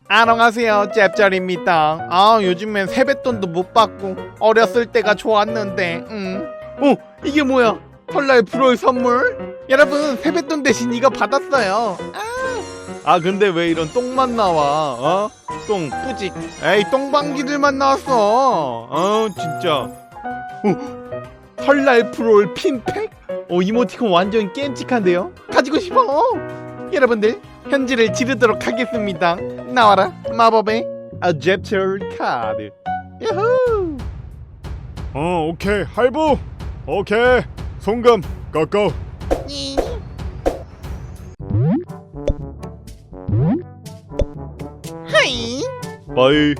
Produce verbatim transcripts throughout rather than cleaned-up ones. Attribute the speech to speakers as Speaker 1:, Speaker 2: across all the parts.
Speaker 1: 안녕하세요, 짭짤입니다. 아, 요즘엔 세뱃돈도 못 받고 어렸을 때가 좋았는데. 음. 어, 이게 뭐야? 설날 불월 선물? 여러분, 세뱃돈 대신 이거 받았어요. 아, 아 근데 왜 이런 똥만 나와? 어? 똥 뿌직. 에이, 똥방귀들만 나왔어. 어, 진짜. 어, 설날 불월 핀팩? 어, 이모티콘 완전 깸찍한데요? 가지고 싶어. 여러분들, 현질을 지르도록 하겠습니다. 나와라, 마법의 어댑터 카드. 야호!
Speaker 2: 어, 오케이. 할부. 오케이. 송금 꺾어.
Speaker 1: 이. 하이.
Speaker 2: 빠이.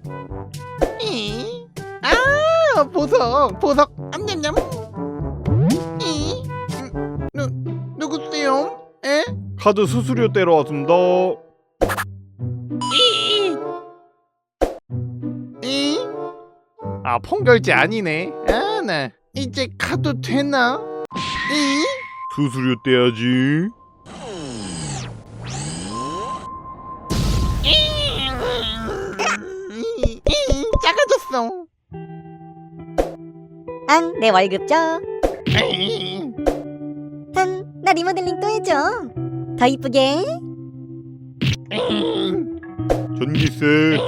Speaker 1: 이. 아, 보석, 보석. 암냠냠. 이. 음, 누, 누구세요? 에?
Speaker 2: 카드 수수료 떼러 왔습니다.
Speaker 1: 이. 이. 아, 폰결제 아니네. 아, 나 이제 가도 되나? 이.
Speaker 2: 수수료 떼야지.
Speaker 1: 이, 이, 작아졌어.
Speaker 3: 앙, 내 월급 줘.
Speaker 1: 이.
Speaker 3: 한, 나 리모델링 또 해줘. 더 이쁘게.
Speaker 2: 전기세,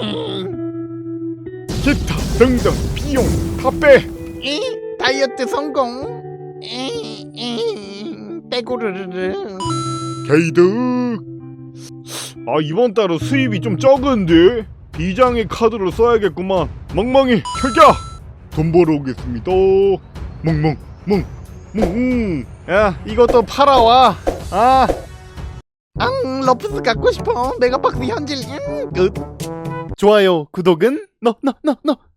Speaker 2: 기타 등등 비용 다 빼.
Speaker 1: 이, 다이어트 성공. 이, 이, 빼고르르르.
Speaker 2: 게이득. 아, 이번 달은 수입이 좀 적은데 비장의 카드로 써야겠구만. 멍멍이 혈자. 돈 벌어 오겠습니다. 멍멍 멍멍.
Speaker 1: 야, 이것도 팔아와. 아, 앙, 러프스 갖고 싶어. 메가박스 현질. 음, 끝. 좋아요, 구독은 너너너너